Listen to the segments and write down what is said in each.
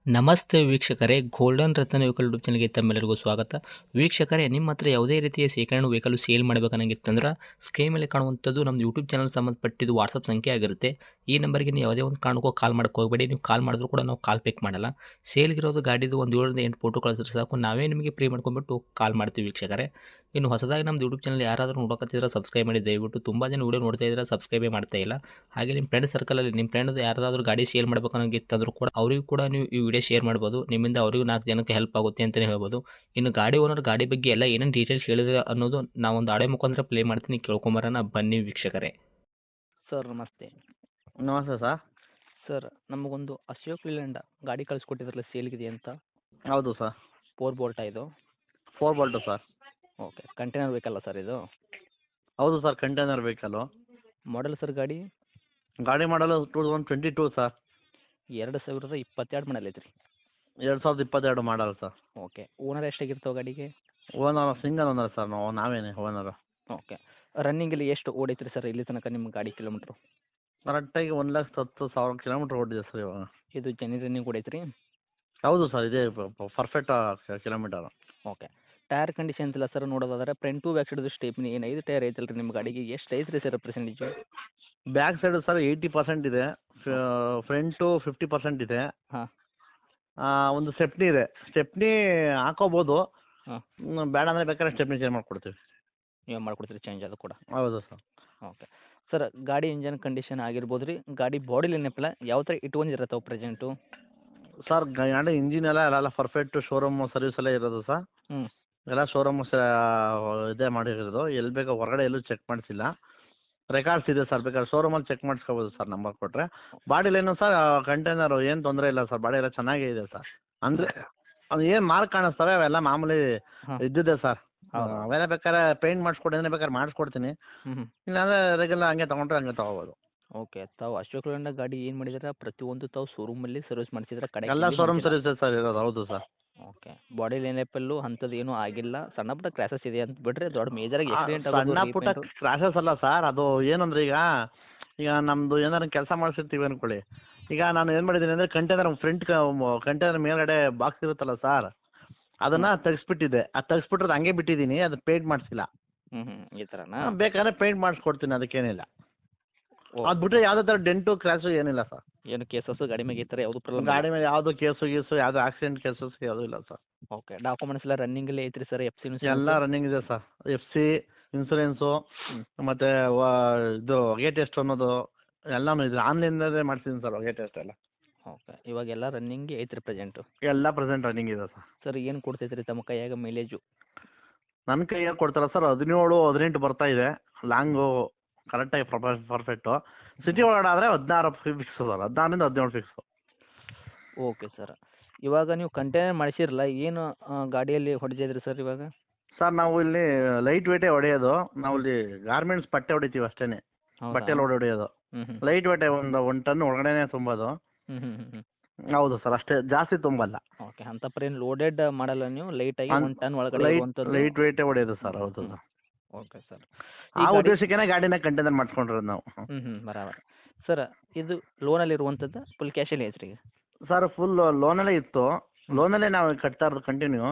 ನಮಸ್ತೆ ವೀಕ್ಷಕರೇ, ಗೋಲ್ಡನ್ ರತ್ನ vehicle YouTube ಚಾನಲ್ಗೆ ತಮ್ಮೆಲ್ಲರಿಗೂ ಸ್ವಾಗತ. ವೀಕ್ಷಕರೇ, ನಿಮ್ಮ ಹತ್ರ ಯಾವುದೇ ರೀತಿಯ ಶೇಖರಣೆ ವೆಹಿಕಲ್ ಸೇಲ್ ಮಾಡಬೇಕನ್ನಂಗಿತ್ತಂದ್ರೆ ಸ್ಕ್ರೀನ್ ಮೇಲೆ ಕಾಣುವಂಥದ್ದು ನಮ್ಮ ಯೂಟ್ಯೂಬ್ ಚಾನಲ್ ಸಂಬಂಧಪಟ್ಟಿದ್ದು ವಾಟ್ಸಪ್ ಸಂಖ್ಯೆ ಆಗಿರುತ್ತೆ. ಈ ನಂಬರ್ಗೆ ನೀವು ಯಾವುದೇ ಒಂದು ಕಾರಣಕ್ಕೂ ಕಾಲ್ ಮಾಡೋಕೆ ಹೋಗಬೇಡಿ. ನೀವು ಕಾಲ್ ಮಾಡಿದ್ರು ಕೂಡ ನಾವು ಕಾಲ್ ಪಿಕ್ ಮಾಡಲ್ಲ. ಸೇಲ್ಗಿರೋದು ಗಾಡಿದು ಒಂದು 7ರಿಂದ 8 ಫೋಟೋ ಕಳಿಸಿದ್ರೆ ಸಾಕು, ನಾವೇ ನಿಮಗೆ ಪ್ರೀ ಮಾಡ್ಕೊಂಡ್ಬಿಟ್ಟು ಕಾಲ್ ಮಾಡ್ತೀವಿ ವೀಕ್ಷಕರೇ. ಇನ್ನು ಹೊಸದಾಗಿ ನಮ್ಮದು ಯೂಟ್ಯೂಬ್ ಚಾನಲ್ ಯಾರಾದರೂ ನೋಡೋಕತ್ತಿದ್ರೆ ಸಬ್ಸ್ಕ್ರೈಬ್ ಮಾಡಿ ದಯವಿಟ್ಟು. ತುಂಬ ಜನ ವೀಡಿಯೋ ನೋಡ್ತಾ ಇದ್ದಾರೆ, ಸಬ್ಸ್ಕ್ರೈಬೇ ಮಾಡ್ತಾ ಇಲ್ಲ. ಹಾಗೆ ನಿಮ್ಮ ಫ್ರೆಂಡ್ ಸರ್ಕಲಲ್ಲಿ ನಿಮ್ಮ ಫ್ರೆಂಡ್ ಯಾರಾದರೂ ಗಾಡಿ ಸೇಲ್ ಮಾಡಬೇಕನ್ನೋಂಗಿತ್ತಂದ್ರೂ ಕೂಡ ಅವರಿಗೂ ಕೂಡ ನೀವು ಈ ವಿಡಿಯೋ ಶೇರ್ ಮಾಡ್ಬೋದು. ನಿಮ್ಮಿಂದ ಅವರಿಗೂ 4 ಜನಕ್ಕೆ ಹೆಲ್ಪ್ ಆಗುತ್ತೆ ಅಂತಲೇ ಹೇಳ್ಬೋದು. ಇನ್ನು ಗಾಡಿ ಓನರ್ ಗಾಡಿ ಬಗ್ಗೆ ಎಲ್ಲ ಏನೇನು ಡೀಟೇಲ್ಸ್ ಹೇಳಿದ್ರೆ ಅನ್ನೋದು ನಾವೊಂದು ಆಡಿಯೋ ಮುಖಾಂತರ ಪ್ಲೇ ಮಾಡ್ತೀನಿ, ಕೇಳ್ಕೊಂಬರೋಣ ಬನ್ನಿ ವೀಕ್ಷಕರೇ. ಸರ್ ನಮಸ್ತೆ. ನಮಸ್ತೆ ಸರ್. ಸರ್ ನಮಗೊಂದು ಅಶೋಕ್ ಲೇಲ್ಯಾಂಡ್ ಗಾಡಿ ಕಳಿಸ್ಕೊಟ್ಟಿದ್ರಲ್ಲ ಸೇಲ್ಗಿದೆ ಅಂತ, ಹೌದು ಸರ್. 4 ಬೋಲ್ಟ ಇದು? 4 ಬೋಲ್ಟು ಸರ್. ಓಕೆ, ಕಂಟೈನರ್ ಬೇಕಲ್ಲ ಸರ್ ಇದು? ಹೌದು sir, container vehicle. Model sir ಗಾಡಿ? ಗಾಡಿ ಮಾಡಲು 2022 ಸರ್. 2022 ಮಾಡಲ್ ಐತ್ರಿ? 2022 ಮಾಡಲ್ ಸರ್. ಓಕೆ, ಓನರ್ ಎಷ್ಟಾಗಿರ್ತಾವೆ ಗಾಡಿಗೆ? ಓನರ್ ಸಿಂಗಲ್ ಓನರ್ ಸರ್, ನಾವೇನೇ ಓನರು. ಓಕೆ, ರನ್ನಿಂಗಲ್ಲಿ ಎಷ್ಟು ಓಡೈತ್ರಿ ಸರ್ ಇಲ್ಲಿ ತನಕ ನಿಮ್ಮ ಗಾಡಿ ಕಿಲೋಮೀಟ್ರು? ಕರೆಕ್ಟಾಗಿ 1,10,000 ಕಿಲೋಮೀಟ್ರ್ ಓಡಿದೆ ಸರ್ ಇವಾಗ. ಇದು ಜೆನ್ಯೂನ್ ರನ್ನಿಂಗ್ ಓಡೈತ್ರಿ? ಹೌದು ಸರ್, ಇದೇ perfect kilometre. Okay, tyre conditions ಇಲ್ಲ ಸರ್ ನೋಡೋದಾದ್ರೆ ಫ್ರಂಟ್ ಟು ಬ್ಯಾಕ್ ಸೈಡ್ದು ಸ್ಟೇಪ್ನಿ ಏನು 5 ಟೈರ್ ಐತಲ್ಲ ರೀ ನಿಮ್ಮ ಗಾಡಿಗೆ, ಎಷ್ಟು ಐತ್ರಿ sir percentage? Back side sir 80% ಇದೆ, ಫ್ರಂಟು 50% ಇದೆ. ಹಾಂ. ಒಂದು ಸ್ಟೆಪ್ನಿ ಇದೆ. ಸ್ಟೆಪ್ನಿ ಹಾಕೋಬೋದು. ಹಾಂ. ಬೇಡ ಅಂದರೆ ಬೇಕಾದ್ರೆ ಸ್ಟೆಪ್ನಿ ಚೇಂಜ್ ಮಾಡಿಕೊಡ್ತೀವಿ. ನೀವು ಮಾಡ್ಕೊಡ್ತೀರಿ ಚೇಂಜ್ ಅದು ಕೂಡ? ಹೌದು ಸರ್. ಓಕೆ ಸರ್, ಗಾಡಿ ಇಂಜನ್ ಕಂಡೀಷನ್ ಆಗಿರ್ಬೋದು ರೀ, ಗಾಡಿ ಬಾಡಿ ಏನಪ್ಪಲ್ಲ ಯಾವ ಥರ ಇಟ್ಕೊಂಡಿರತ್ತವೆ ಪ್ರೆಸೆಂಟು? ಸರ್ ಗಾಡಿ ಇಂಜಿನ್ ಎಲ್ಲ ಪರ್ಫೆಕ್ಟು, ಶೋರೂಮ್ ಸರ್ವಿಸ್ ಎಲ್ಲ ಇರೋದು ಸರ್. ಹ್ಞೂ. ಎಲ್ಲ ಶೋರೂಮ್ ಇದೇ ಮಾಡಿರೋದು, ಎಲ್ಲಿ ಬೇಕೋ ಹೊರಗಡೆ ಎಲ್ಲೂ ಚೆಕ್ ಮಾಡಿಸಿಲ್ಲ. ರೆಕಾರ್ಡ್ಸ್ ಇದೆ ಸರ್, ಬೇಕಾದ್ರೆ ಶೋರೂಮಲ್ಲಿ ಚೆಕ್ ಮಾಡಿಸ್ಕೋಬೋದು ಸರ್, ನಂಬರ್ ಕೊಟ್ಟರೆ. ಬಾಡಿಲೇನು ಸರ್ ಕಂಟೈನರು ಏನು ತೊಂದರೆ ಇಲ್ಲ ಸರ್, ಬಾಡಿ ಎಲ್ಲ ಚೆನ್ನಾಗೇ ಇದೆ ಸರ್. ಅಂದರೆ ಅದು ಏನು ಮಾರ್ಕ್ ಕಾಣಿಸ್ತವೆ ಅವೆಲ್ಲ ಮಾಮೂಲಿ ಹಾಂ. ಇದ್ದಿದೆ ಸರ್. ಹೌದು. ಅವೆಲ್ಲ ಬೇಕಾದ್ರೆ ಪೇಂಟ್ ಮಾಡಿಸ್ಕೊಡಿ ಅಂದರೆ ಬೇಕಾದ್ರೆ ಮಾಡಿಸ್ಕೊಡ್ತೀನಿ, ಹ್ಞೂ. ಇಲ್ಲಾಂದರೆ ರೆಗ್ಯುಲರ್ ಹಂಗೆ ತೊಗೊಂಡ್ರೆ ಹಂಗೆ ತೊಗೋಬೋದು. ಓಕೆ, ತಾವು ಅಶೋಕ್ ಲೇಲ್ಯಾಂಡ್ ಗಾಡಿ ಏನು ಮಾಡಿದ್ರೆ ಪ್ರತಿಯೊಂದು ತಾವು ಶೋರೂಮಲ್ಲಿ ಸರ್ವಿಸ್ ಮಾಡಿಸಿದ್ರೆ ಕಡೆ ಎಲ್ಲ ಶೋರೂಮ್ ಸರ್ವಿಸಸ್ ಸರ್ ಇರೋದು. ಹೌದು ಸರ್. ಓಕೆ, ಬಾಡಿ ಲೈನಪ್ಪಲ್ಲೂ ಅಂಥದ್ದು ಏನೂ ಆಗಿಲ್ಲ, ಸಣ್ಣ ಪುಟ್ಟ ಕ್ರ್ಯಾಸಸ್ ಇದೆ ಅಂತ ಬಿಟ್ಟರೆ ದೊಡ್ಡ ಮೇಜರಾಗಿ ಆಕ್ಸಿಡೆಂಟ್ ಸಣ್ಣ ಪುಟ್ಟ ಕ್ರಾಶಸ್ ಅಲ್ಲ ಸರ್, ಅದು ಏನಂದ್ರೆ ಈಗ ನಮ್ಮದು ಏನಾದ್ರು ಕೆಲಸ ಮಾಡಿಸಿರ್ತೀವಿ ಅಂದ್ಕೊಳ್ಳಿ. ಈಗ ನಾನು ಏನು ಮಾಡಿದ್ದೀನಿ ಅಂದರೆ ಕಂಟೈನರ್ ಮೇಲ್ಗಡೆ ಬಾಕ್ಸ್ ಇರುತ್ತಲ್ಲ ಸರ್, ಅದನ್ನು ತೆಗಿಸ್ಬಿಟ್ಟಿದ್ದೆ. ಅದು ತೆಗಿಸ್ಬಿಟ್ರೆ ಹಂಗೆ ಬಿಟ್ಟಿದ್ದೀನಿ, ಅದು ಪೇಂಟ್ ಮಾಡಿಸಿಲ್ಲ. ಈ ಥರನಾ? ಬೇಕಾದ್ರೆ ಪೇಂಟ್ ಮಾಡಿಸ್ಕೊಡ್ತೀನಿ, ಅದಕ್ಕೇನಿಲ್ಲ. ಓ, ಅದು ಬಿಟ್ಟರೆ ಯಾವುದೇ ಥರ ಡೆಂಟು ಕ್ರ್ಯಾಶು ಏನಿಲ್ಲ ಸರ್. ಏನು ಕೇಸಸ್ಸು ಗಾಡಿ ಮೇಲೆ ಈ ಥರ ಯಾವುದು ಪ್ರಾಬ್ಲಮ್? ಗಾಡಿ ಮೇಲೆ ಯಾವುದು ಕೇಸು ಯಾವುದೋ ಆಕ್ಸಿಡೆಂಟ್ ಕೇಸಸ್ ಯಾವುದೂ ಇಲ್ಲ ಸರ್. ಓಕೆ, ಡಾಕ್ಯುಮೆಂಟ್ಸ್ ಎಲ್ಲ ರನ್ನಿಂಗಲ್ಲೇ ಐತ್ರಿ ಸರ್? ಎಫ್ ಸಿ ಎಲ್ಲ ರನ್ನಿಂಗ್ ಇದೆ ಸರ್. FC, ಇನ್ಸೂರೆನ್ಸು, ಮತ್ತು ಇದು ಹೊಗೆ ಟೆಸ್ಟ್ ಅನ್ನೋದು ಎಲ್ಲನೂ ಇದೆ. ಆನ್ಲೈನಲ್ಲೇ ಮಾಡ್ಸಿದ್ದೀನಿ ಸರ್ ಹೊಗೆ ಟೆಸ್ಟ್ ಎಲ್ಲ. ಓಕೆ, ಇವಾಗೆಲ್ಲ ರನ್ನಿಂಗ್ ಐತ್ರಿ ಪ್ರೆಸೆಂಟು? ಎಲ್ಲ ಪ್ರೆಸೆಂಟ್ ರನ್ನಿಂಗ್ ಇದೆ ಸರ್. ಸರ್ ಏನು ಕೊಡ್ತೈತ್ರಿ ತಮ್ಮ ಕೈಯಾಗ ಮೈಲೇಜು? ನನ್ನ ಕೈಯಾಗ ಕೊಡ್ತಾರ ಸರ್ 17-18 ಬರ್ತಾ ಇದೆ. ಲಾಂಗು ಕರೆಕ್ಟಾಗಿ ಪರ್ಫೆಕ್ಟು. ಸಿಟಿ ಒಳಗಡೆ ಆದರೆ 16 ಫಿಕ್ಸು ಸರ್, 16ರಿಂದ 17 ಫಿಕ್ಸು. ಓಕೆ ಸರ್, ಇವಾಗ ನೀವು ಕಂಟೈನರ್ ಮಾಡಿಸಿರಲ್ಲ, ಏನು ಗಾಡಿಯಲ್ಲಿ ಹೊಡೆದಿದ್ರಿ ಸರ್ ಇವಾಗ? ಸರ್ ನಾವು ಇಲ್ಲಿ ಲೈಟ್ ವೇಟೇ ಹೊಡೆಯೋದು. ನಾವು ಇಲ್ಲಿ ಗಾರ್ಮೆಂಟ್ಸ್ ಬಟ್ಟೆ ಹೊಡಿತೀವಿ ಅಷ್ಟೇ, ಬಟ್ಟೆ ಲೋಡ್ ಹೊಡೆಯೋದು. ಲೈಟ್ ವೇಟೇ, ಒಂದು ಟನ್ ಒಳಗಡೆನೇ ತುಂಬೋದು. ಹೌದು ಸರ್, ಅಷ್ಟೇ, ಜಾಸ್ತಿ ತುಂಬಲ್ಲ. ಓಕೆ, ಅಂತ ಪರೇನು ಲೋಡೆಡ್ ಮಾಡಲ್ಲ ನೀವು, ಲೈಟಾಗಿ 1 ಟನ್ ಒಳಗಡೆ ಇರುವಂಥದ್ದು? ಲೈಟ್ ವೇಟೇ ಹೊಡೆಯೋದು ಸರ್. ಹೌದು ಸರ್. ಓಕೆ ಸರ್, ಆ ಉದ್ದೇಶಕ್ಕೇ ಗಾಡಿನ ಕಂಟೈನರ್ ಮಾಡಿಸ್ಕೊಂಡಿರೋದು ನಾವು. ಬರಾಬರ್. ಸರ್ ಇದು ಲೋನಲ್ಲಿ ಇರುವಂಥದ್ದು ಫುಲ್ ಕ್ಯಾಶಲ್ಲಿ ಐತ್ರಿ ಈಗ? ಸರ್ ಫುಲ್ ಲೋನಲ್ಲೇ ಇತ್ತು. ಲೋನಲ್ಲೇ ನಾವು ಕಟ್ತಾ ಇರೋದು ಕಂಟಿನ್ಯೂ.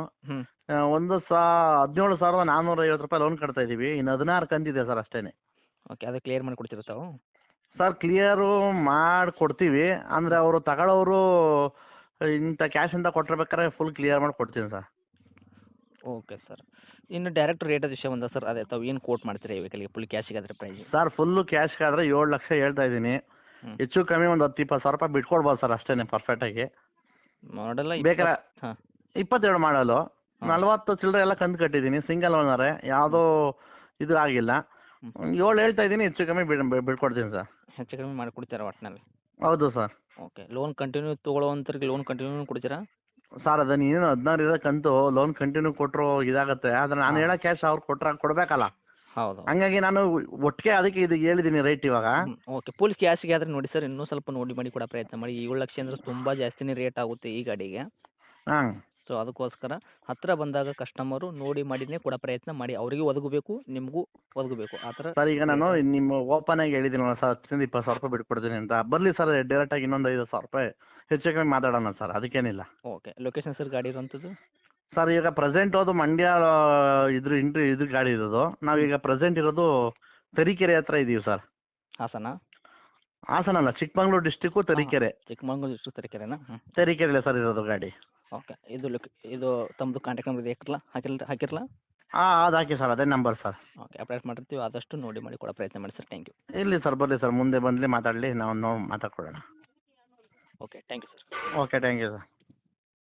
17,450 ರೂಪಾಯಿ ಲೋನ್ ಕಟ್ತಾ ಇದ್ದೀವಿ. ಇನ್ನು 16 ಕಂತಿದೆ ಸರ್ ಅಷ್ಟೇ. ಓಕೆ, ಅದು ಕ್ಲಿಯರ್ ಮಾಡಿ ಕೊಡ್ತೀರಾ ತಾವು? ಸರ್ ಕ್ಲಿಯರು ಮಾಡಿಕೊಡ್ತೀವಿ, ಅಂದರೆ ಅವರು ತಗೊಳ್ಳೋರು ಇಂಥ ಕ್ಯಾಶಿಂದ ಕೊಟ್ಟಿರ್ಬೇಕಾದ್ರೆ ಫುಲ್ ಕ್ಲಿಯರ್ ಮಾಡಿ ಕೊಡ್ತೀನಿ ಸರ್. ಓಕೆ ಸರ್, ಇನ್ನು ಡೈರೆಕ್ಟ್ ರೇಟ್ ವಿಷಯ ಬಂದ ಸರ್, ಅದೇ ತಾವು ಏನು ಕೋಟ್ ಮಾಡ್ತೀರಾ ಈ ವೆಹಿಕಲ್ಗೆ ಫುಲ್ ಕ್ಯಾಶಿಗೆ ಅದರ ಪ್ರೈಸ್? ಸರ್ ಫುಲ್ಲು ಕ್ಯಾಶ್ಗಾದರೆ 7 ಲಕ್ಷ ಹೇಳ್ತಾ ಇದ್ದೀನಿ. ಹೆಚ್ಚು ಕಮ್ಮಿ ಒಂದು 10-20 ಸಾವಿರ ರೂಪಾಯಿ ಬಿಟ್ಕೊಡ್ಬೋದು ಸರ್ ಅಷ್ಟೇ ಪರ್ಫೆಕ್ಟಾಗಿ. ಮಾಡಲ್ಲ ಬೇಕಾದ್ರೆ 22 ಮಾಡಲು 40 ಚಿಲ್ಲರೆ ಎಲ್ಲ ಕಂತು ಕಟ್ಟಿದ್ದೀನಿ. ಸಿಂಗಲ್ ಓನರೇ, ಯಾವುದೋ ಇದು ಆಗಿಲ್ಲ. 7 ಹೇಳ್ತಾ ಇದ್ದೀನಿ, ಹೆಚ್ಚು ಕಮ್ಮಿ ಬಿಟ್ಕೊಡ್ತೀನಿ ಸರ್. ಹೆಚ್ಚು ಕಮ್ಮಿ ಮಾಡಿಕೊಡ್ತೀರಾ ಒಟ್ಟಿನಲ್ಲಿ? ಹೌದು ಸರ್. ಓಕೆ, ಲೋನ್ ಕಂಟಿನ್ಯೂ ತೊಗೊಳ್ಳೋವಂಥವ್ರಿಗೆ ಲೋನ್ ಕಂಟಿನ್ಯೂ ಕೊಡ್ತೀರಾ? ಸರ್ ಅದನ್ನು ಏನು 16 ಇರೋ ಕಂತು ಲೋನ್ ಕಂಟಿನ್ಯೂ ಕೊಟ್ಟರು ಇದಾಗುತ್ತೆ. ಆದರೆ ನಾನು ಹೇಳೋ ಕ್ಯಾಶ್ ಅವ್ರು ಕೊಡಬೇಕಲ್ಲ. ಹೌದು. ಹಂಗಾಗಿ ನಾನು ಒಟ್ಟಿಗೆ ಅದಕ್ಕೆ ಇದು ಹೇಳಿದ್ದೀನಿ ರೇಟ್ ಇವಾಗ. ಓಕೆ, ಫುಲ್ ಕ್ಯಾಶಿಗೆ ಆದರೆ ನೋಡಿ ಸರ್, ಇನ್ನೂ ಸ್ವಲ್ಪ ನೋಡಿ ಮಾಡಿ ಕೊಡೋ ಪ್ರಯತ್ನ ಮಾಡಿ. 7 ಲಕ್ಷ ಅಂದರೆ ತುಂಬ ಜಾಸ್ತಿನೇ ರೇಟ್ ಆಗುತ್ತೆ ಈ ಗಾಡಿಗೆ. ಹಾಂ. ಸೊ ಅದಕ್ಕೋಸ್ಕರ ಹತ್ತಿರ ಬಂದಾಗ ಕಸ್ಟಮರು ನೋಡಿ ಮಾಡಿನೇ ಕೊಡೋ ಪ್ರಯತ್ನ ಮಾಡಿ, ಅವರಿಗೂ ಒದಗಬೇಕು, ನಿಮಗೂ ಒದಗಬೇಕು ಆ ಥರ. ಸರ್ ಈಗ ನಾನು ನಿಮ್ಮ ಓಪನ್ ಆಗಿ ಹೇಳಿದ್ದೀನಲ್ಲ ಸರ್ 10,000 20,000 ರೂಪಾಯಿ ಬಿಟ್ಕೊಡ್ತೀನಿ ಅಂತ, ಬರಲಿ ಸರ್ ಡೈರೆಕ್ಟಾಗಿ ಇನ್ನೊಂದು 5,000 ರೂಪಾಯಿ ಹೆಚ್ಚು ಕಮ್ಮಿ ಮಾತಾಡೋಣ ಸರ್, ಅದಕ್ಕೇನಿಲ್ಲ. ಓಕೆ, ಲೊಕೇಶನ್ ಸರ್ ಗಾಡಿ ಇರುವಂಥದ್ದು? ಸರ್ ಈಗ ಪ್ರೆಸೆಂಟ್ ಅದು ಮಂಡ್ಯ ಇದು ಗಾಡಿ ಇರೋದು, ನಾವೀಗ ಪ್ರೆಸೆಂಟ್ ಇರೋದು ತರೀಕೆರೆ ಹತ್ರ ಇದ್ದೀವಿ ಸರ್. ಹಾಸನ? ಹಾಸನ ಅಲ್ಲ, ಚಿಕ್ಕಮಂಗ್ಳೂರು ಡಿಸ್ಟಿಕ್ಕು ತರೀಕೆರೆ. ಚಿಕ್ಕಮಂಗ್ಳೂರು ಡಿಸ್ಟ್ರಿಕ್ಟ್ ತರೀಕೆರೆನಾ? ತರೀಕೆರೆಯಲ್ಲೇ ಸರ್ ಇರೋದು ಗಾಡಿ. ಓಕೆ, ಇದು ತಮ್ಮದು ಕಾಂಟ್ಯಾಕ್ಟ್ ನಂಬರ್ ಹಾಕಿರಲಾ? ಹಾಂ ಅದು ಹಾಕಿ ಸರ್, ಅದೇ ನಂಬರ್ ಸರ್. ಓಕೆ, ಅಪ್ಡೇಟ್ ಮಾಡಿರ್ತೀವಿ, ಆದಷ್ಟು ನೋಡಿ ಮಾಡಿ ಕೊಡೋ ಪ್ರಯತ್ನ ಮಾಡಿ ಸರ್. Thank you. ಇರಲಿ ಸರ್, ಬರಲಿ ಸರ್, ಮುಂದೆ ಬಂದಲಿ ಮಾತಾಡಲಿ, ನಾವು ಮಾತಾಡ್ಕೊಳ್ಳೋಣ. Okay, thank you sir. Okay, thank you sir.